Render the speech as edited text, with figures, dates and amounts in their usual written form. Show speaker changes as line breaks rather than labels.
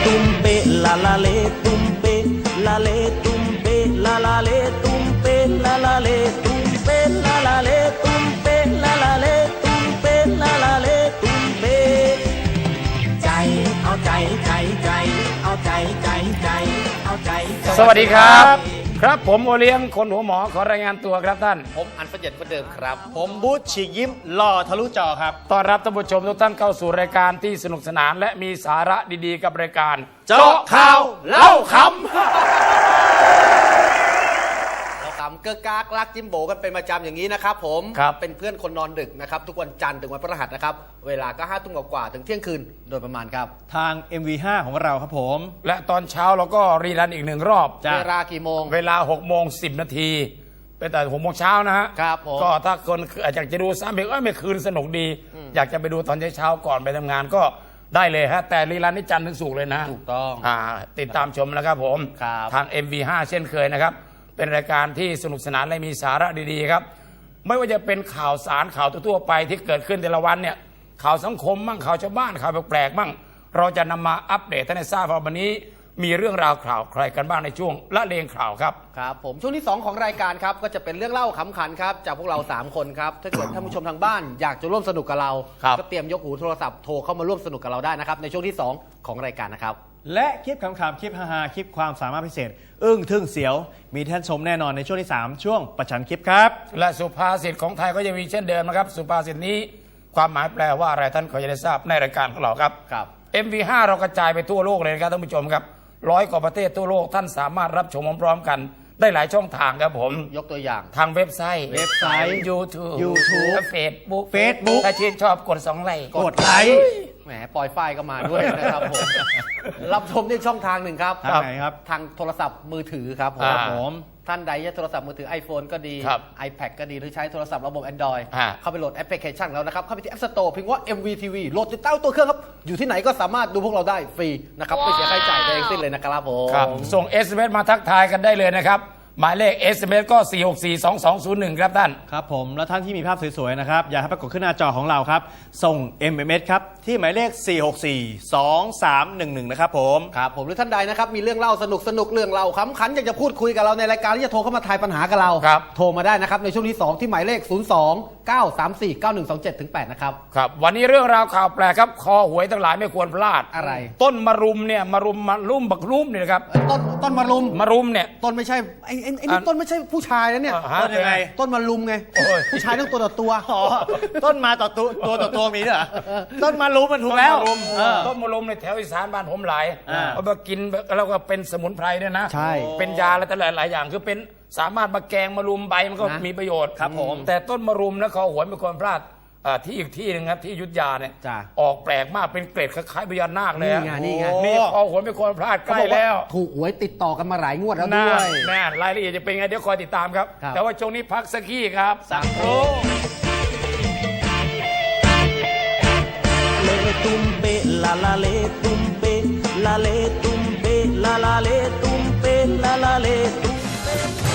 tumpe, la la le tumpe, la le tumpe, la la le tumpe, la la le tumpe, la la le tumpe, la la le tumpe, la la le tumpeใจเอาใจใจใจเอาใจใจใจเอาใจ
สวัสดีครับครับผมโอเลี้ยงคนหัวหมอขอรายงานตัวครับท่าน
ผมอันประเย็นประเดิมครับ
ผมบูธฉีกยิ้มหล่อทะลุจอครับ
ต้อนรับท่านผู้ชมทุกท่านเข้าสู่รายการที่สนุกสนานและมีสาระดีๆกับรายการ
เจาะข่าวเล่าขำ
เกือกากลักจิ้มโบกันเป็นประจำอย่างนี้นะครับผมเป็นเพื่อนคนนอนดึกนะครับทุกวันจันทร์ถึงวันพฤหัสนะครับเวลาก็5 ทุ่มกว่าถึงเที่ยงคืนโดยประมาณครับ
ทาง MV5 ของเราครับผม
และตอนเช้าเราก็รีรันอีก1 รอบ
เวลากี่โมง
เวลา6:10 นาทีเป็นแต่6 โมงเช้านะฮะ
ครับผม
ก็ถ้าคนอยากจะดูซ้ำอีกไม่คืนสนุกดีอยากจะไปดูตอนเช้าก่อนไปทำงานก็ได้เลยฮะแต่รีรันนี่จันทร์ถึงศุกร์เลยนะ
ถูกต้อง
ติดตามชมนะครับผมทาง MV5 เช่นเคยนะครับเป็นรายการที่สนุกสนานและมีสาระดีๆครับไม่ว่าจะเป็นข่าวสารข่าวทั่วๆไปที่เกิดขึ้นแต่ละวันเนี่ยข่าวสังคมบ้างข่าวชาวบ้านข่าวแปลกๆบ้างเราจะนำมาอัปเดตให้ทราบว่าวันนี้มีเรื่องราวข่าวใครกันบ้างในช่วงละเลงข่าวครับ
ครับผมช่วงที่2ของรายการครับก็จะเป็นเรื่องเล่าขำขันครับจากพวกเรา3 คนครับถ้าเกิดท่านผู้ชมทางบ้านอยากจะร่วมสนุกกับเราก็เตรียมยกหูโทรศัพท์โทรเข้ามาร่วมสนุกกับเราได้นะครับในช่วงที่2ของรายการนะครับ
และคลิปขำๆคลิปฮาๆคลิปความสามารถพิเศษอึ้งทึ่งเสียวมีท่านชมแน่นอนในช่วงที่3ช่วงประชันคลิปครับ
และสุภาษิตของไทยก็ยังมีเช่นเดิมนะครับสุภาษิตนี้ความหมายแปลว่าอะไรท่านก็จะได้ทราบในรายการของเราครับMV5 เรากระจายไปทั่วโลกเลยนะครับท่านผู้ชมครับ100 กว่าประเทศทั่วโลกท่านสามารถรับชมพร้อมๆกันได้หลายช่องทางครับผม
ยกตัวอย่าง
ทางเว็บไซต์ YouTube และ Facebook ถ้าชื่นชอบกด2 ไลค์
กดไลค์
แหมปล่อยไฟก็มาด้วยนะครับผมรับชมได้ช่องทางหนึ่งครับ
ทางไหนครับ
ทางโทรศัพท์มือถือครับผมท่านใดใช้โทรศัพท์มือถือ iPhone ก็ดี iPad ก็ดีหรือใช้โทรศัพท์ระบบ Android เข้าไปโหลดแอปพลิเคชันแล้วนะครับเข้าไปที่ App Store พิมพ์ว่า MVTV โหลดติดตั้งตัวเครื่องครับอยู่ที่ไหนก็สามารถดูพวกเราได้ฟรีนะครับไม่เสียค่าใช้จ่ายใดทั้งสิ้นเลยนะครับผม
ส่ง SMS มาทักทายกันได้เลยนะครับหมายเลข SMS ก็ 4642201 ครับท่าน
ครับผมและท่านที่มีภาพสวยๆนะครับอยากให้ปรากฏขึ้นหน้าจอของเราครับส่ง MMS ครับที่หมายเลข 4642311 นะครับผม
ครับผมหรือท่านใดนะครับมีเรื่องเล่าสนุกเรื่องเล่าขำขันอยากจะพูดคุยกับเราในรายการที่จะโทรเข้ามาทายปัญหากับเราโทรมาได้นะครับในช่วงที่2ที่หมายเลข02-934-9127-8นะครับ
ครับวันนี้เรื่องราวข่าวแปลกครับคอหวยทั้งหลายไม่ควรพลาด
อะไร
ต้นมะรุมเนี่ยมะรุมบักรุมเนี่ยนะครับ
ต้นมะรุม
เนี่ย
ต้นไม่ใช่ไอ้นี่ต้นไม่ใช่ผู้ชายนะเนี่ย
ต้นยังไง
ต้นมะรุมไงผู้ชายต้องตัวต่อตัว
ต้นมาต่อตัวมีด้วยเหรอต้นมะรุมมันถูกแล้ว
ต้นมะรุมในแถวอีสานบ้านผมหลายเอามากินแล้วก็เป็นสมุนไพรด้วยนะ
ใช่
เป็นยาอะไรแต่หลายอย่างคือเป็นสามารถมาแกงมะรุมใบมันก็มีประโยชน์
ครับผม
แต่ต้นมะรุมนะคอหวยไม่ควรพลาดที่อีกที่นึงครับที่อยุธยาเนี่ยออกแปลกมากเป็นเกล็ดคล้ายๆพญานาคเลย
นี่ไง
นี่คอหวยไม่ควรพลาดใกล้แล้ว
ถูกหวยติดต่อกันมาหลายงวดแล้วด้วย
แน่รายละเอียดจะเป็นไงเดี๋ยวคอยติดตามครับแต่ว่าช่วงนี้พักสักขี้ครับสักครู่
เลตุมเปลาลาเลตุมเปลาเลตุมเปลาลาเลตุมเปลาลาเลตุมเป